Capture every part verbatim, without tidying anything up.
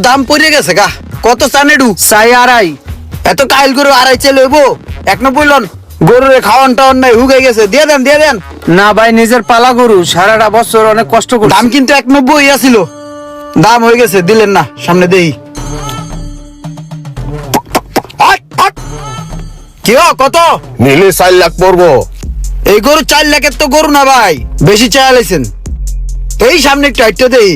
দাম পড়ে গেছে গা। কত চান এডু? চাই আড়াই। এত কাইল গরু আড়াই চে লইব? এক ন বললেন গরুরে খাওয়ান টাওয়ান নাই, হুগাই গেছে। দিয়ে দেন দিয়ে দেন। না ভাই, নিজের পালা গরু, সারাটা বছর অনেক কষ্ট করছি। দাম কিন্তু এক নব্বই আছিল, দাম হয়ে গেছে, দিলেন না। সামনে দেই কি কত নিলে চার লাখ পড়বো। এই গরু? চার লাখের তো গরু না ভাই, বেশি চাইলেছেন। এই সামনে একটু হাইটটা দেই।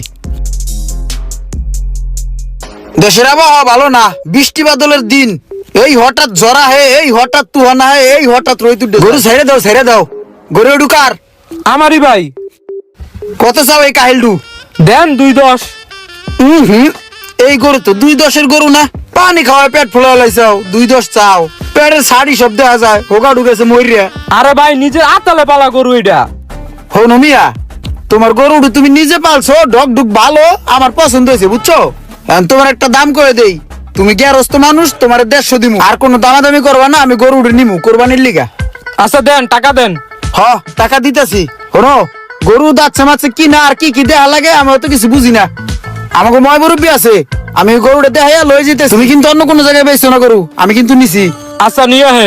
দেশের আবহাওয়া ভালো না, বৃষ্টি বাদলের দিন। এই হঠাৎ জরা হে, এই হঠাৎ তুহানা হে, এই হঠাৎ রোদ উঠে। গরু ছেড়ে দাও ছেড়ে দাও। গরু ঢুকার আমারই ভাই। কত চাও এই কাহিলডু? দেন দুই দশ। হম হম এই গরু তো দুই দশের গরু না, পানি খাওয়ায় পেট ফুলা লাইছাও, দুই দশ চাও? পেটের শাড়ি সব দেখা যায়, হোগা ঢুকেছে মরিয়া। আরে ভাই, নিজের আতালে পালা গরু এটা। হন মিয়া, তোমার গরু তুমি নিজে পালছো, ডগ ডুগ ভালো, আমার পছন্দ হয়েছে বুঝছো। এখন তোমার একটা দাম করে দেই, তুমি গ্যারস্ত মানুষ, তোমার দেড়শো দিমু। আর কোনো দামাদামি করবা না, আমি গরু নিমু কোরবানির লিগা। আচ্ছা দেন, টাকা দেন। হ টাকা দিতেছি। শোনো, গরু দাচ্ছে মাছে কি না আর কি কি দেয়া লাগে আমি তো কিছু বুঝি না। আমাকে ময় মুরব্বী আছে, আমি গরুটা দেখাইয়া লয়ে যেতে। তুমি কিন্তু অন্য কোনো জায়গায় বেচছো না গরু, আমি কিন্তু নিছি। আচ্ছা নিয়ে হেন।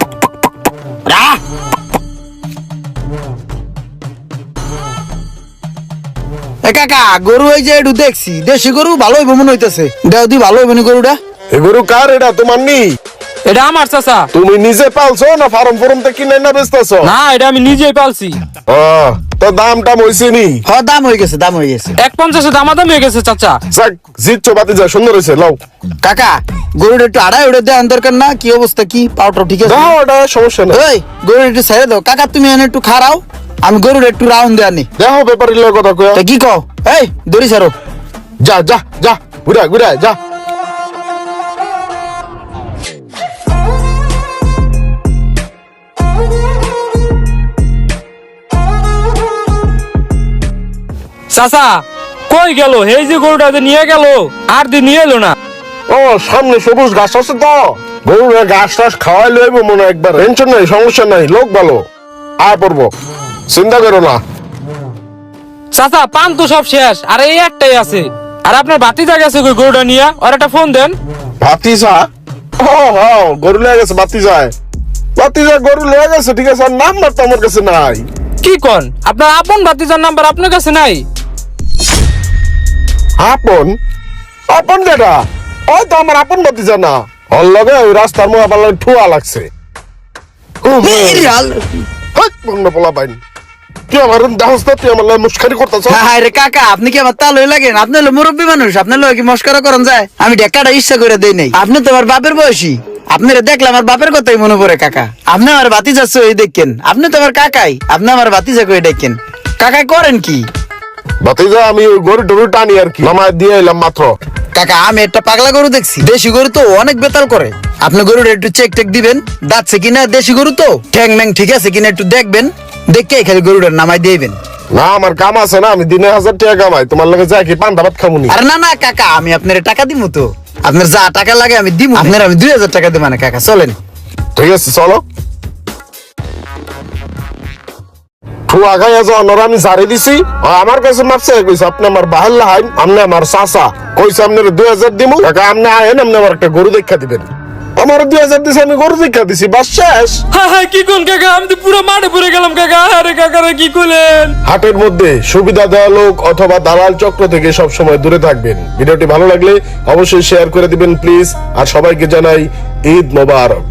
এ কাকা, গরু এই যে একটু দেখছি, দেশি গরু ভালো হইব মনে হইতেছে। দেও দি ভালো হইব নি গরুটা? এ গরু কার? এটা তোমার নি? এটা আমার চাচা। তুমি নিজে পালছো না ফার্ম ফরম থেকে কিনে না বেচতেছো? না, এটা আমি নিজেই পালছি। ও, তো দাম টাম হইছে নি? হ দাম হয়ে গেছে, দাম হয়ে গেছে। এক পঞ্চাশে দামাদাম হয়ে গেছে চাচা। যাক, জিতছো বাতি যা, সুন্দর হয়েছে। লাও কাকা, গরুটা একটু আড়াই উড়ে দেওয়ার দরকার না? কি অবস্থা, কি পাউটার ঠিক আছে? দাও, ওটা সমস্যা না। ওই গরুটা একটু ছেড়ে দাও। কাকা তুমি এনে একটু খারাও, আমি গরুটা একটু রাউন্ড দেওয়া নি। দেখো ব্যাপারের লগে কথা কয়া। তা কি কও? এই দড়ি ছাড়ো। যা যা যা, ঘুরা ঘুরা যা। চাচা কই গেল? এই যে গরুটা যে নিয়ে গেল, আর দিন নিয়ে এলো না। ও, সামনে সবুজ ঘাস আছে তো, গরুর ঘাস টাস খাওয়াই লইব মনে হয় একবার। টেনশন নাই, সমস্যা নাই, লোক ভালো। আয় পড়বো, চিন্তা করো না। চাচা পান তো সব শেষ, আর এই একটাই আছে। আর আপনার ভাতিজা গেছে কই গরুটা নিয়ে? আর একটা ফোন দেন। ভাতিজা? ও হ্যাঁ, গরু লেগে গেছে ভাতিজায়। ভাতিজা গরু লেগে গেছে, ঠিক আছে। আর নাম্বার তো আমার কাছে নাই। কি কোন? আপনার আপন ভাতিজার নাম্বার আপনার কাছে নাই? আপন? আপন যেটা, ওই তো আমার আপন ভাতিজা না। ওর লগে ওই রাস্তার মোয়া পাল্লা ঠুয়া লাগছে। এই আল হাট, বন্ধ পোলা পাইনি। তুই আমার দাহস না, তুই আমার লগে মুশকারি করতেছ। হ্যাঁ রে কাকা, আপনি কি আমার তাল হয়ে লাগেন? আপনি হলো মুরব্বী মানুষ, আপনার লোক কি মস্করা করেন যায়? আমি ঢেকাটা ইচ্ছা করে দেই নাই। আপনি তো আমার বাপের বয়সী, আপনারা দেখলে আমার বাপের কথাই মনে পড়ে। কাকা, আপনি আমার ভাতিজা ওই দেখেন, আপনি তো আমার কাকাই, আপনি আমার ভাতিজা কই দেখেন। কাকা করেন কি? ভাতিজা আমি ওই গরু টরু টানি আর কি, নামায় দিয়ে এলাম মাত্র। কাকা, আমি একটা পাগলা গরু দেখছি, দেশি গরু তো অনেক বেতাল করে। আপনি গরুটা একটু চেক টেক দিবেন, দাঁতছে কিনা, দেশি গরু তো ঠ্যাং ম্যাং ঠিক আছে কিনা একটু দেখবেন, দেখে খালি গরুটার নামাই দিবেন। না, আমার কাম আছে না, আমি দিনে হাজার টাকা কামাই, তোমার লগে যাই কি পান্তা ভাত খামুনি। আরে না না কাকা, আমি আপনার টাকা দিব তো, আপনার যা টাকা লাগে আমি দিব। আপনার আমি দুই হাজার টাকা দিব না কাকা, চলেন। ঠিক আছে চলো। ঠুয়া খাইয়া যাওয়ার নর আমি জারি দিছি। আমার কাছে মাপছে কইছে আপনি আমার বাহাল লাহাইন, আপনি আমার চাচা কইছে আপনার দুই হাজার দিব। কাকা আপনি আয়েন, আপনি আমার একটা গরু দেখা দিবেন। আমার দুই হাজার দিছে, আমি গরু দেখা দিছি, বাস শেষ। হ্যাঁ হ্যাঁ, কি কোন কাকা? আমি তো পুরো মাঠে পড়ে গেলাম কাকা। আরে কাকা রে, কি করলেন? হাটের মধ্যে সুবিধা দেওয়া লোক অথবা দালাল চক্র থেকে সব সময় দূরে থাকবেন। ভিডিওটি ভালো লাগলে অবশ্যই শেয়ার করে দিবেন প্লিজ। আর সবাইকে জানাই ঈদ মোবারক।